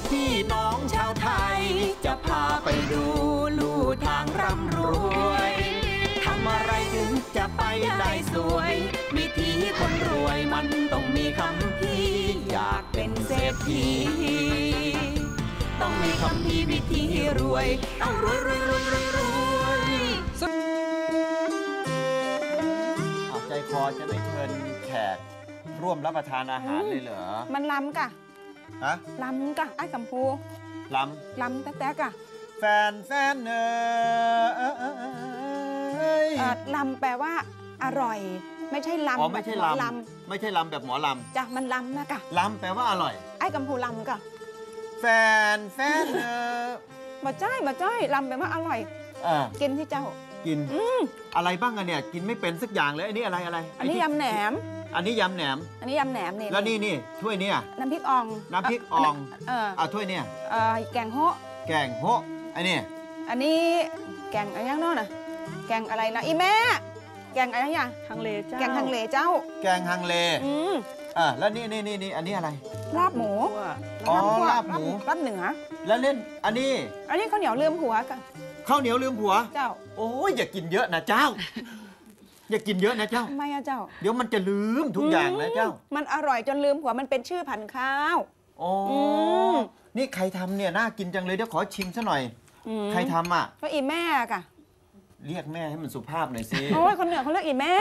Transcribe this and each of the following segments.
พี่น้องชาวไทยจะพาไปดูลู่ทางร่ำรวยทำอะไรถึงจะไปได้สวยวิธีคนรวยมันต้องมีคำพี่อยากเป็นเศรษฐีต้องมีคำพี่วิธีรวยต้องรวยใจคอจะไม่เชิญแขกร่วมรับประทานอาหารเลยเหรอมันล้ำกะฮะล้ำกะไอ้กัมพูล้ำแต่กะแฟนล้ำแปลว่าอร่อยไม่ใช่ล้ำไม่ใช่ล้ำไม่ใช่ล้ำแบบหมอล้ำจ้ะมันล้ำนะกะล้ำแปลว่าอร่อยไอ้กัมพูล้ำกะแฟนมาจ้อยล้ำแปลว่าอร่อยกินที่เจ้ากินอะไรบ้างอะเนี่ยกินไม่เป็นสักอย่างเลยอันนี้อะไรอันนี้ยำแหนมอันนี้ยำแหนมนี่แล้วนี่ถ้วยเนี่ยน้ำพริกอ่องถ้วยเนี่ยแกงโฮอันนี้แกงอะไรอย่างโน้นน่ะแกงอะไรนะอีแม่แกงอะไรอย่างฮังเลเจ้าแกงฮังเลเจ้าแกงฮังเลแล้วนี่อันนี้อะไรลาบหมูลาบหมูลาบเหนือแล้วเล่นอันนี้ข้าวเหนียวลืมหัวกันข้าวเหนียวลืมผัวเจ้าโอ้ยอย่ากินเยอะนะเจ้าอย่ากินเยอะนะเจ้าทำไมอะเจ้าเดี๋ยวมันจะลืมทุกอย่างนะเจ้ามันอร่อยจนลืมผัวมันเป็นชื่อพันธุ์ข้าวนี่ใครทำเนี่ยน่ากินจังเลยเดี๋ยวขอชิมซะหน่อยใครทำอ่ะก็อีแม่กะเรียกแม่ให้มันสุภาพหน่อยสิโอ้ยคนเหนือเขาเรียกอีแม่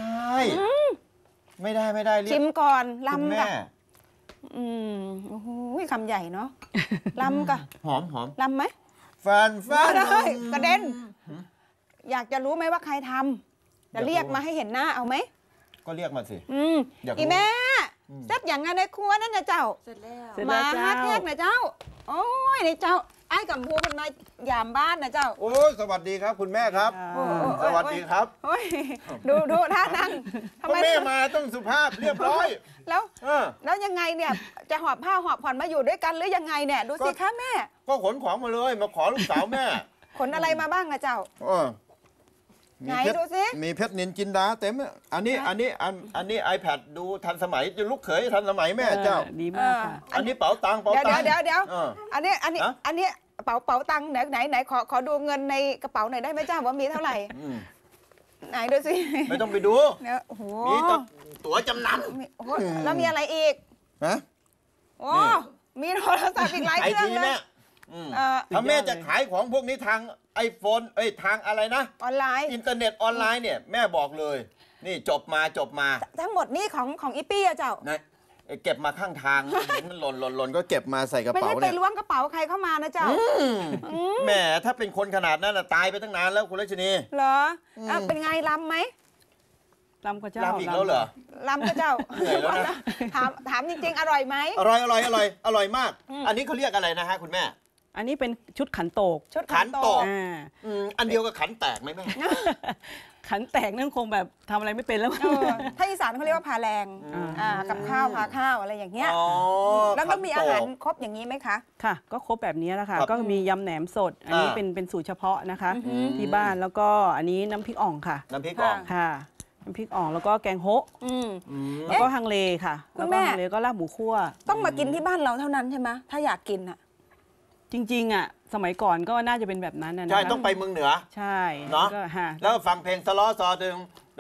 ไม่ได้ชิมก่อนลำกะโอ้โหคำใหญ่เนาะลำกะหอมลำไหมฟันได้กระเด็นอยากจะรู้ไหมว่าใครทำจะเรียกมาให้เห็นหน้าเอาไหมก็เรียกมาสิอีแม่เสร็จอย่างงานในครัวนั่นนะเจ้าเสร็จแล้วมาฮะเทกนะเจ้าโอ้ยในเจ้าไอ้กัมพูมันมายามบ้านนะเจ้าโอ้ยสวัสดีครับคุณแม่ครับสวัสดีครับดูท่านั่งทำไมแม่มาต้องสุภาพเรียบร้อยแล้วยังไงเนี่ยจะหอบผ้าหอบผ่อนมาอยู่ด้วยกันหรือยังไงเนี่ยดูสิคะแม่ก็ขนของมาเลยมาขอลูกสาวแม่ขนอะไรมาบ้างอะเจ้าไหนดูสิมีเพชรนินจินดาเต็มอันนี้ iPad ดูทันสมัยจะลูกเขยทันสมัยแม่เจ้าดีมากอันนี้เป๋าตังเดี๋ยวอันนี้เป๋าตังไหนขอดูเงินในกระเป๋าหน่อยได้ไหมเจ้าว่ามีเท่าไหร่ไหนดูสิไม่ต้องไปดูมีตั๋วจำนำแล้วมีอะไรอีกโอ้มีโทรศัพท์อีกหลายเครื่องเลยถ้าแม่จะขายของพวกนี้ทางiPhone ทางอะไรนะออนไลน์อินเทอร์เน็ตออนไลน์เนี่ยแม่บอกเลยนี่จบมาทั้งหมดนี่ของอีปี้อะเจ้าเก็บมาข้างทางเห็นมันหล่นก็เก็บมาใส่กระเป๋าเนี่ยไม่ใช่ไปล้วงกระเป๋าใครเข้ามานะเจ้าแม่ถ้าเป็นคนขนาดนั้นตายไปตั้งนานแล้วคุณรัชนีเหรอเป็นไงล้ำไหมล้ำก็เจ้าล้ำอีกแล้วเหรอล้ำก็เจ้าเหนื่อยแล้วนะถามจริงๆอร่อยไหมอร่อยมากอันนี้เขาเรียกอะไรนะฮะคุณแม่อันนี้เป็นชุดขันโตกขันโตกอันเดียวกับขันแตกไหมแม่ขันแตกนั่นคงแบบทำอะไรไม่เป็นแล้วถ้าอีสานเขาเรียกว่าพาแรงกับข้าวพาข้าวอะไรอย่างเงี้ยแล้วต้องมีอาหารครบอย่างนี้ไหมคะค่ะก็ครบแบบนี้แล้วค่ะก็มียำแหนมสดอันนี้เป็นสูตรเฉพาะนะคะที่บ้านแล้วก็อันนี้น้ำพริกอ่องค่ะน้ำพริกอ่องค่ะน้ำพริกอ่องแล้วก็แกงโฮะแล้วก็ฮังเลค่ะแล้วก็ฮังเลก็ลาบหมูคั่วต้องมากินที่บ้านเราเท่านั้นใช่ไหมถ้าอยากกินอ่ะจริงๆอ่ะสมัยก่อนก็น่าจะเป็นแบบนั้นนะใช่ต้องไปเมืองเหนือใช่เนาะแล้วฟังเพลงสล้อซอดึง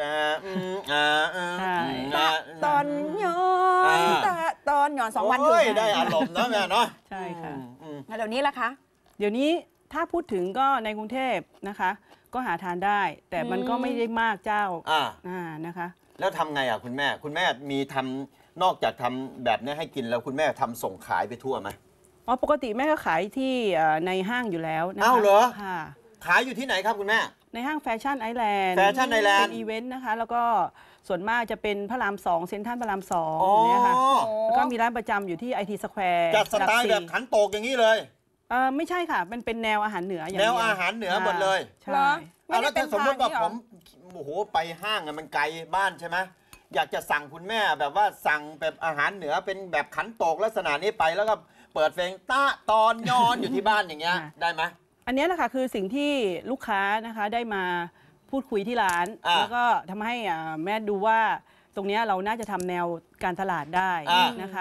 ตอนย้อน2 วันอยู่ได้อารมณ์นะแม่เนาะใช่ค่ะเดี๋ยวนี้ล่ะคะเดี๋ยวนี้ถ้าพูดถึงก็ในกรุงเทพนะคะก็หาทานได้แต่มันก็ไม่ได้มากเจ้านะคะแล้วทำไงอ่ะคุณแม่มีทำนอกจากทำแบบนี้ให้กินแล้วคุณแม่ทำส่งขายไปทั่วไหมปกติแม่ก็ขายที่ในห้างอยู่แล้วนะคะอ้าวเหรอค่ะขายอยู่ที่ไหนครับคุณแม่ในห้างแฟชั่นไอแลนด์เป็นอีเวนต์นะคะแล้วก็ส่วนมากจะเป็นพระราม2เซ็นทรัลพระราม2เนี่ยค่ะแล้วก็มีร้านประจำอยู่ที่ IT Square จัดสไตล์แบบขันโตกอย่างนี้เลยไม่ใช่ค่ะเป็นแนวอาหารเหนืออย่างแนวอาหารเหนือหมดเลยใช่แล้วถ้าสมมติว่าผมโอ้โหไปห้างมันไกลบ้านใช่ไหมอยากจะสั่งคุณแม่แบบว่าสั่งแบบอาหารเหนือเป็นแบบขันโตกลักษณะนี้ไปแล้วก็เปิดเพลงตอนย้อนอยู่ที่บ้านอย่างเงี้ยได้ไหมอันนี้แหละค่ะคือสิ่งที่ลูกค้านะคะได้มาพูดคุยที่ร้านแล้วก็ทำให้แม่ดูว่าตรงนี้เราน่าจะทำแนวการตลาดได้นะคะ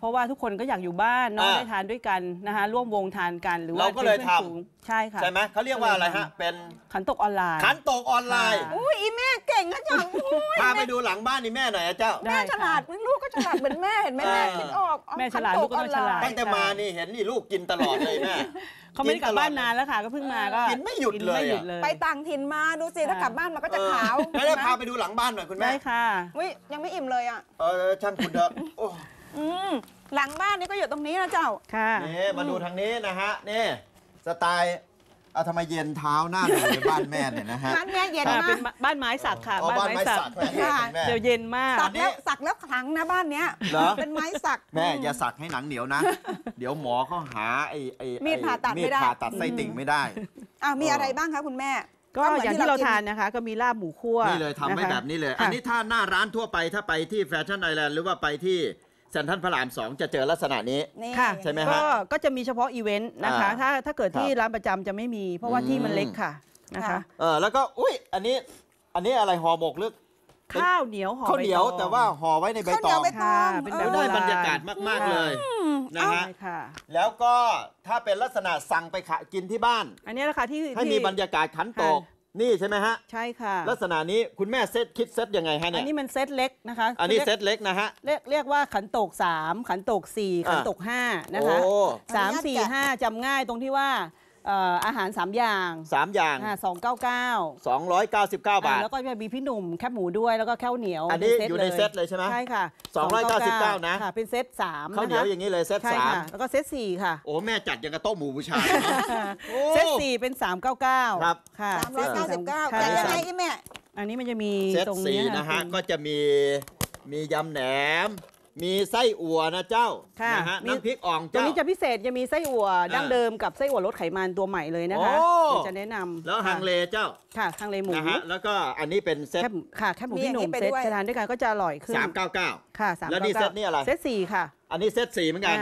เพราะว่าทุกคนก็อยากอยู่บ้านเนาะได้ทานด้วยกันนะคะร่วมวงทานกันหรือว่าเราก็เลยทำป็นพื่อนฝูงใช่ค่ะใช่ไหมเขาเรียกว่าอะไรฮะเป็นขันโตกออนไลน์ขันโตกออนไลน์ค่ะอุ้ยอีแม่เก่งนะจังอุ้ยพาไปดูหลังบ้านนี่แม่หน่อยอะเจ้าแม่ฉลาดลูกก็ฉลาดเหมือนแม่เห็นไหมแม่คิดออกแม่ฉลาดลูกก็ต้องฉลาดตั้งแต่มานี่เห็นนี่ลูกกินตลอดเลยแม่เขาไม่ได้กลับบ้านนานแล้วค่ะก็เพิ่งมาก็กินไม่หยุดเลยกินไม่หยุดเลยไปต่างถิ่นมาดูสิถ้ากลับบ้านมันก็จะขาวไม่ได้พาไปดูหลังบ้านหน่อยคุณแม่ได้ค่ะอุ้ยยังไม่อิ่มเลยอ่ะช่างคุณเถอะโอ้หลังบ้านนี่ก็อยู่ตรงนี้นะเจ้าค่ะนี่มาดูทางนี้นะฮะนี่สไตล์เอาทำไมเย็นเท้าหน้าหนูในบ้านแม่เนี่ยนะฮะบ้านแม่เย็นค่ะมาเป็นกบ้านไม้สักค่ะอ๋อบ้านไม้สักแม่ค่ะแม่เดี๋ยวเย็นมากสักแล้วขลังนะบ้านเนี้ยเหรอเป็นไม้สักแม่อย่าสักให้หนังเหนียวนะ เดี๋ยวหมอเขาหามีดผ่าตัดไม่ได้มีดผ่าตัดไส้ติ่งไม่ได้มีอะไรบ้างคะคุณแม่ก็อย่างที่เราทานนะคะ ก็มีลาบหมูคั่วนี่เลยทำไว้ะคะแบบนี้เลยค่ะอันนี้ถ้าหน้าร้านทั่วไปถ้าไปที่แฟชั่นไอแลนด์หรือว่าไปที่เซ็นทรัลพระราม 2 จะเจอลักษณะนี้นี่ค่ะใช่ไหมฮะก็จะมีเฉพาะอีเวนต์นะคะ ถ้าเกิดที่ครับร้านประจำจะไม่มี เพราะว่าที่มันเล็กค่ะนะคะแล้วก็อุ้ยอันนี้อะไรห่อหมกหรือข้าวเหนียวห่อข้าวเหนียวใบตองแต่ว่าห่อไว้ในใบข้าวเหตนียยวองใบตองเป็นเอแบบอได้โบบรรยากาศมากๆเลยนะฮะใช่ค่ะแล้วก็ถ้าเป็นลักษณะสั่งไปกินที่บ้านอันนี้แหละค่ะที่ให้มีบรรยากาศขันโตกค่ะนี่ใช่ไหมฮะใช่ค่ะลักษณะนี้คุณแม่คิดเซตยังไงฮะอัเนี่นยนี้มันเซตเล็กนะคะอันนี้เซตเล็กนะฮะเรียกว่าขันโตก 3 ขันโตก 4 ขันโตก 5 นะคะโอ้ 3 4 5จำง่ายตรงที่ว่าอาหาร 3 อย่าง 3 อย่าง 299 299 บาทแล้วก็จะมีพี่หนุ่มแคบหมูด้วยแล้วก็ข้าวเหนียวอันนี้ป็อยู่ในเซตเลยใช่ไหมใช่ค่ะ 299นะค่ะเป็นเซต3 ข้าวเหนียวอย่างนี้เลยเซตใช่สามค่ะแล้วก็เซต4ค่ะโอ้แม่จัดอย่างกระโต๊ะหมู่บูชาเลยนะโอ้เซต4เป็น 399 ครับค่ะ 399 ค่ะแต่ยังไงอีแม่อันนี้มันจะมีเซตตรงสี่นี้นะฮะคุณก็จะมียำแหนม มีไส้อั่วนะเจ้าค่ะนะฮะมีน้ำพริกอ่องตรงเจ้านี้จะพิเศษจะมีไส้อั่วดั้งเดิมกับไส้อั่วลดไขมันตัวใหม่เลยนะคะโอ้เดี๋ยวจะแนะนำแล้วฮังเลเจ้าค่ะฮังเลหมูนะฮะแล้วก็อันนี้เป็นเซตแคบหมูมีพี่หนุ่อย่างนี้มไปเซตด้วยจะทานด้วยกันก็จะอร่อยขึ้น 399 ค่ะแล้วนี่เซตนี่อะไรเซต4ค่ะอันนี้เซต4เหมือนกัน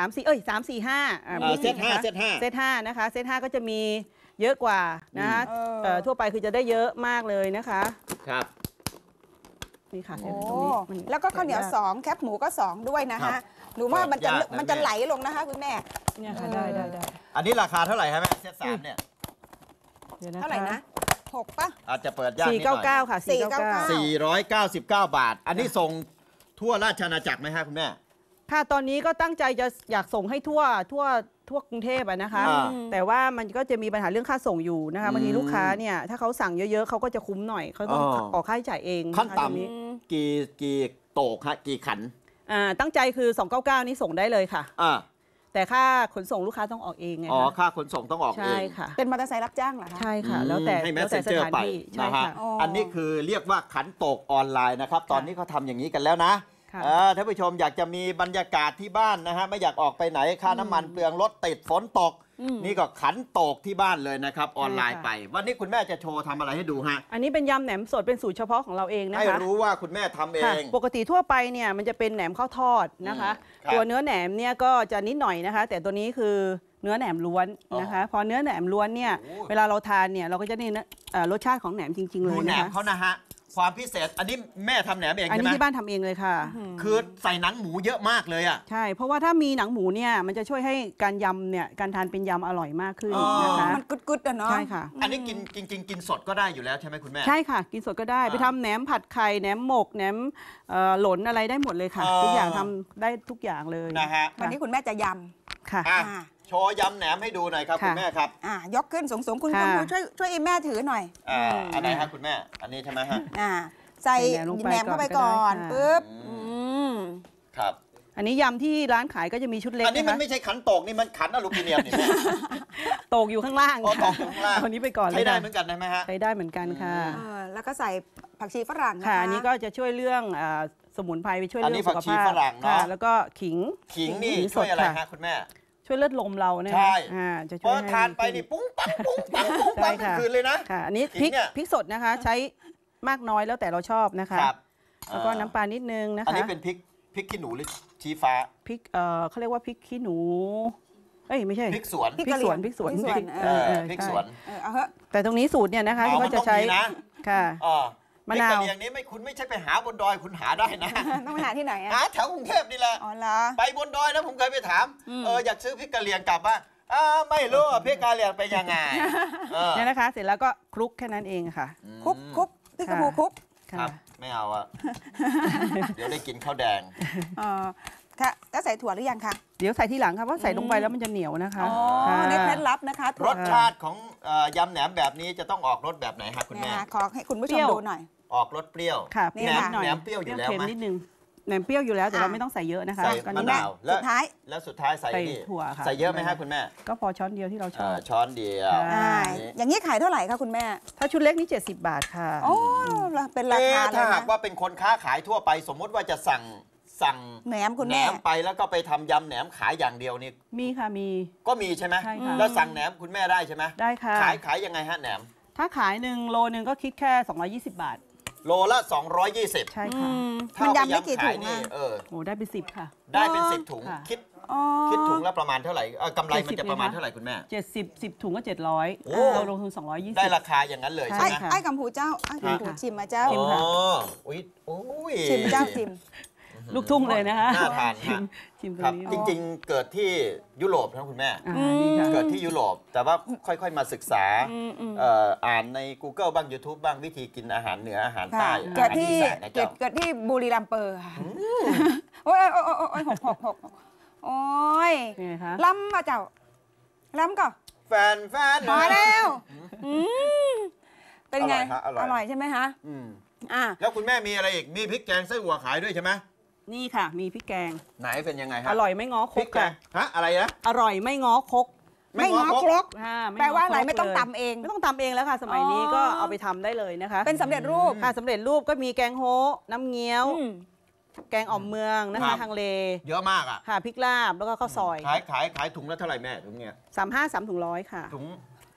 3 4 5 เซต5เซตเซต5นะคะเซต5ก็จะมีเยอะกว่านะคะ ทั่วไปคือจะได้เยอะมากเลยนะคะ 5ครับนี่ค่ะโอ้ตรงนี้มันแล้วก็ข้าวเหนียว2แคบหมูก็2ด้วยนะครัฮะบหนูว่ามันจะยากนะมันจะแม่ไหลลงนะคะคุณแม่เนี่ยค่ะได้ได้ได้อันนี้ราคาเท่าไหร่ครับแม่เซต3เนี่ยเดี๋ยวนะคะเท่าไหร่นะ6ป่ะอาจจะเปิดยากนิดหน่อย 499 ค่ะ 499 499 บาท อันนี้ส่งทั่วราชอาณาจักรไหมฮะคุณแม่ค่ะตอนนี้ก็ตั้งใจจะอยากส่งให้ทั่วกรุงเทพอะนะคะอ่าแต่ว่ามันก็จะมีปัญหาเรื่องค่าส่งอยู่นะคะบางทีลูกค้าเนี่ยถ้าเขาสั่งเยอะๆเขาก็จะคุ้มหน่อยเขาต้องอ๋อออกค่าใช้จ่ายเองขั้นนะคะตรงนี้ต่ำกี่โตกฮะกี่ขันตั้งใจคือ 299 นี่ส่งได้เลยค่ะอ่าแต่ค่าขนส่งลูกค้าต้องออกเองไงอ๋อคะค่าขนส่งต้องออกเอใช่งค่ะเป็นมอเตอร์ไซค์รับจ้างเหรอคะใช่ค่ะ แล้วแต่ให้แล้วแต่ส messenger ถานไปที่ใช่นะฮะค่ะอ๋ออัอันนี้คือเรียกว่าขันโตกออนไลน์นะครับ ตอนนี้เขาทำอย่างนี้กันแล้วนะค่ะท่านผู้ชมอยากจะมีบรรยากาศที่บ้านนะฮะไม่อยากออกไปไหนค่าน้ำมันเปลืองรถติดฝนตก นี่ก็ขันโตกที่บ้านเลยนะครับ ออนไลน์ไป วันนี้คุณแม่จะโชว์ทำอะไรให้ดูฮะอันนี้เป็นยำแหนมสดเป็นสูตรเฉพาะของเราเองนะให้คะรู้ว่าคุณแม่ทำเอค่ะงปกติทั่วไปเนี่ยมันจะเป็นแหนมข้าวทอดนะคะครับตัวเนื้อแหนมเนี่ยก็จะนิดหน่อยนะคะ แต่ตัวนี้คือเนื้อแหนมล้วนนะคะ พอเนื้อแหนมล้วนเนี่ยโอ้เวลาเราทานเนี่ยเราก็จะได้รสชาติของแหนมจริง ๆ เลดูยแหนนะมคะเขานะฮะความพิเศษอันนี้แม่ทำแหนมเองอันใช่นี้ไหมที่บ้านทำเองเลยค่ะคือใส่หนังหมูเยอะมากเลยอ่ะใช่ เพราะว่าถ้ามีหนังหมูเนี่ยมันจะช่วยให้การยำเนี่ยการทานเป็นยำอร่อยมากขึ้นอ๋อนะคะมันกึดๆอะเนาะใช่ค่ะอันนี้กินจริงๆกินสดก็ได้อยู่แล้วใช่ไหมคุณแม่ใช่ค่ะ กินสดก็ได้ ไปทำแหนมผัดไข่แหนมหมกแหนมหลนอะไรได้หมดเลยค่ะอ๋อทุกอย่างทำได้ทุกอย่างเลยนะฮะวันนี้คุณแม่จะยค่ะอ่ะอ่าโชว์ยำแหนมให้ดูหน่อยครับค่ะคุณแม่ครับยกขึ้นสูงๆคุณค่ะช่วยอีแม่ถือหน่อยอันไหนครับคุณแม่ อันนี้ใช่ไหมฮะใส่ใส่แหนมลงไปแหนมเข้าไปก่ก่ออน นก็ได้ค่ะปึ๊บครับอันนี้ยำที่ร้านขายก็จะมีชุดเล็กอันนี้นะมันคะไม่ใช่ขันโตกนี่มันขันอลูมิเนียมนี่แม่ตกอยู่ข้างล่างอ๋อตกอยู่ข้างล่างคนนี้ไปก่อนเลยใช้ได้ค่ะเหมือนกันใช่ไหมฮะใช้ได้เหมือนกันค่ะแล้วก็ใส่ผักชีฝรั่งนะคะค่ะ อันนี้ก็จะช่วยเรื่องสมุนไพรไปช่วยอันเรื่นี้องสุขผักชีภาพฝรั่งเนอะค่ะแล้วก็ขิงขิงนี่ขิช่วยอะไรสดฮะคุณแม่ช่วยเลือดลมเราเนี่ยใช่จะเพช่วยราะให้ทานไปดีนี่ขึ้ปุ้งปังปุ้งปังปุ้งปังใช่ทั้งค่ะคืนเลยนะค่ะ อันนี้ขิพริงกเนี่ยพริกสดนะคะ ใช้มากน้อยแล้วแต่เราชอบนะคะครับแล้วก็น้ำปลานิดนึงนะคะอันนี้เป็นพริกขี้หนูหรือชี้ฟ้าพริกเขาเรียกว่าพริกขี้หนูเอ้ยไม่ใช่พริกสวนพริกสวนพริกสวนพริกสวนพริกสวนเอาเหอะแต่ตรงนี้สูตรเนี่ยนะคะอ๋อก็มันจะต้องใช้มีนะค่ะอ๋อมะพริกนากะวเหรี่ยงนี้คุณไม่ใช่ไปหาบนดอยคุณหาได้นะต้องไปหาที่ไหนอะหาแถวกรุงเทพนี่แหละอ๋อเหรอไปบนดอยนะผมเคยไปถามอยากซื้อพริกกะเหรี่ยงกลับบ้านไม่รู้ว่าพริกกะเหรี่ยงเป็นยังไงเนี่ยนะคะ เสร็จแล้วก็คลุกแค่นั้นเองค่ะคุกพี่กระพูคุกครัค่ะบไม่เอาอะ เดี๋ยวได้กินข้าวแดงค่ะแล้วใส่ถั่วหรือยังคะเดี๋ยวใส่ที่หลังค่ะเพราะใส่ลงไปแล้วมันจะเหนียวนะคะอ๋อค่ะในเคล็ดลับนะคะรสชาติของยำแหนมแบบนี้จะต้องออกรสแบบไหนครับคุณเนี่ยแม่ค่ะขอให้คุณผู้ชเปรี้มยวดูหน่อยออกรสเปรี้ยวค่ะเปรี้ยวนี่นิดหน่อยแหนมเปรี้ยวอยู่แล้วเค็มไหมนิดนึงแหนมเปรี้ยวอยู่แล้วแต่เราอ่ะไม่ต้องใส่เยอะนะคะใส่ก็มะนิดนาวสุดท้ายแล้วสุดท้ายใส่ใส่นี่ถั่วค่ะใส่เยอะไหมครับคุณแม่ก็พอช้อนเดียวที่เราชอบช้อนเดียวค่ะอย่างนี้ขายเท่าไหร่คะคุณแม่ถ้าชุดเล็กนี่70 บาทค่ะโอ้เป็นราคาเลถ้าย หากนะว่าเป็นคนค้าขายทั่วไป สมมุติว่าจะสั่งแหนมคุณแหนแม่มไปแล้วก็ไปทำยำแหนมขายอย่างเดียวนี่มีค่ะมีก็มีใช่ไหมใช่ค่ะแล้วสั่งแหนมคุณแม่ได้ใช่ไหมได้ค่ะขายยังไงฮะแหนมถ้าขายโลนึงก็คิดแค่220 บาทโลละ220 ใช่ค่ะมันยำได้กี่ถุงนี่อะโอ้ได้เป็น10 ค่ะได้เป็น10 ถุงค่ะอ๋อคิดถุงละประมาณเท่าไหร่กำไรมันจะ 70 ประมาณเลยนะเท่าไหร่คุณแม่ 10ถุงก็โอ้ 700เราลงทุน220 ได้ราคาอย่างนั้นเลยใช่ใช่ไหมไอ้กัมพูเจ้าไอ้กัมพูค่ะชิมมาเจ้าชิมค่ะอุ้ยโอ้ยชิมเจ้าชิมลูกทุ่งเลยนะคะน่าทานชิฮะมชิมตรครับงนี้จริงๆ เกิดที่ยุโรปนะคุณแม่ดีค่ะเกิดที่ยุโรปแต่ว่าค่อยๆมาศึกษาอ่านใน Google บ้าง YouTube บ้างวิธีกินอาหารเหนืออาหารใต้ค่ะอาหารอีสานนะเจ้าเกิดที่บุรีรัมย์เปอร์ค่ะโอ้ยหกโอ้ยเป็นไงคะล้ำมาเจ้าล้ำก่อนแฟนพอแล้วเป็นไงอร่อยฮะอร่อยใช่ไหมคะอืมอ่ะแล้วคุณแม่มีอะไรอีก มีพริกแกงไส้อั่วขายด้วยใช่ไหมนี่ค่ะ มีพริกแกงไหนเป็นยังไงฮะอร่อยไม่ง้อคพริกกแกงค่ะฮะอะไรนะอร่อยไม่ง้อคกไม่ง้อครกค่ะม่แปลว่าอะไรง้คกไม่ต้องเลยตำเองไม่ต้องตำเองแล้วค่ะ สมัยนี้อ๋อก็เอาไปทำได้เลยนะคะเป็นสำเร็จรูปค่ะสำเร็จรูปก็มีแกงโฮะน้ำเงี้ยวอืมแกงอ่อมเมืองนะครัคะบทางเลเยอะมากอ่ะค่ะพริกลาบแล้วก็ข้าวซอยขายถุงละเท่าไหร่แม่ถุงเนี้ย 3 ถุง100ค่ะถุง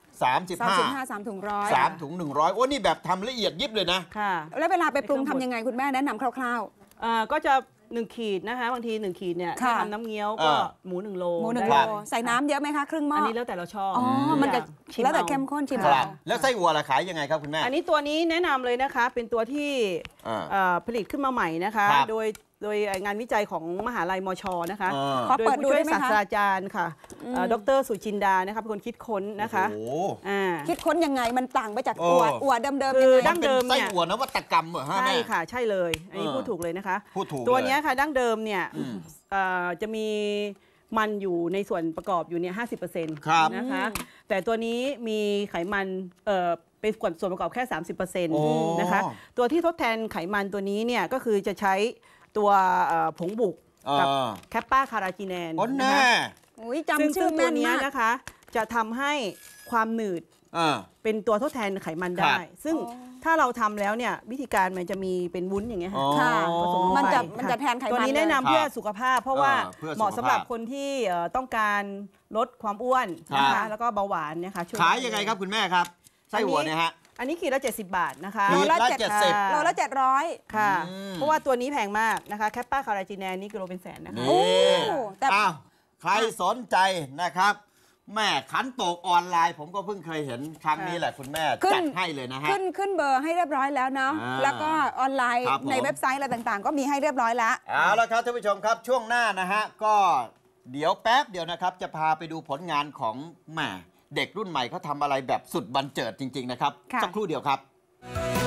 35 3 ถุงร้อย 3 ถุง 100โอ้นี่แบบทำละเอียดยิบเลยนะค่ะแล้วเวลาไปปรุงทำยังไงคุณแม่แนะนำคร่าวก็จะ1 ขีดนะคะบางที1 ขีดเนี่ยค่ะถ้าทำน้ำเงี้ยวก็อ่าหมู1 โลๆหมูหนึ่งได้โลใส่น้ำเยอะไหมคะครึ่งหม้ออันอันี้แล้วแต่เราชอบอ๋อมันจะชิมแล้วแต่อาเข้มข้นชิมครัเอาบแล้วไส้อั่วล่ะขายยังไงครับคุณแม่อันนี้ตัวนี้แนะนำเลยนะคะ เป็นตัวที่ ผลิตขึ้นมาใหม่นะคะครับโดยงานวิจัยของมหาลัยมชนะคะขอโดยเปิดผู้ดูช่วยได้ไหมศาสคะตราจารย์ค่ะดรสุจินดานะคะเป็นคนคิดค้นนะคะโอ้โหคิดค้นยังไงมันต่างไปจากโอ้อั่วเดิมๆคืยังไงอดั้งเดิมไส้เนี่ยอั่วนวัตกรรมเหรอฮะใช่แม่ค่ะใช่เลย อันนี้พูดถูกเลยนะคะพูดถูกตัวเลยเนี้ยค่ะดั้งเดิมเนี่ยจะมีมันอยู่ในส่วนประกอบอยู่เนี่ย 50% ครับนะคะ แต่ตัวนี้มีไขมันเป็นส่วนประกอบแค่ 30% โอ้นะคะ ตัวที่ทดแทนไขมันตัวนี้เนี่ยก็คือจะใช้ตัวผงบุกกับแคปปาคาราจีแนนโอ้นะแน่คะอุ้ยซึ่งจำชื่อตัแม่วน เนี้ยมากนะคะจะทำให้ความหนืดอ่าเป็นตัวทดแทนไขมันครัได้บซึ่งถ้าเราทำแล้วเนี่ยวิธีการมันจะมีเป็นวุ้นอย่างเงี้ยค่ะค่ะผสมลงไปมันจะแทนไขมันตัวนี้แนะนำเลยเพื่อสุขภาพ เพราะว่าเพื่อสุขภาพเหมาะสำหรับคนที่ต้องการลดความอ้วนนะครัคะบแล้วก็เบาหวานเนี่ยค่ะช่วขายยังไงครับคุณแม่ครับ ไส้อั่วเนี่ยฮะอันนี้ขีดละ70 บาทนะคะขีดละโลละ 700 ค่ะอืมเพราะว่าตัวนี้แพงมากนะคะแคปปาคาราจีแนนนี่กิโลเป็นแสนนะคะนี่โอ้แต่อ้าวใครสนใจนะครับ แม่ขันโตกออนไลน์ ผมก็เพิ่งเคยเห็นครั้งนี้แหละคุณแม่ขึ้นจัดให้เลยนะฮะขึ้นเบอร์ให้เรียบร้อยแล้วเนาะอ่าแล้วก็ออนไลน์ครับผมในเว็บไซต์อะไรต่างๆ ก็มีให้เรียบร้อยแล้วเอาละครับท่านผู้ชมครับช่วงหน้านะฮะก็เดี๋ยวแป๊บเดียวนะครับ จะพาไปดูผลงานของแหม่เด็กรุ่นใหม่เขาทำอะไรแบบสุดบันเจิดจริง ๆ นะครับค่ะสักครู่เดียวครับ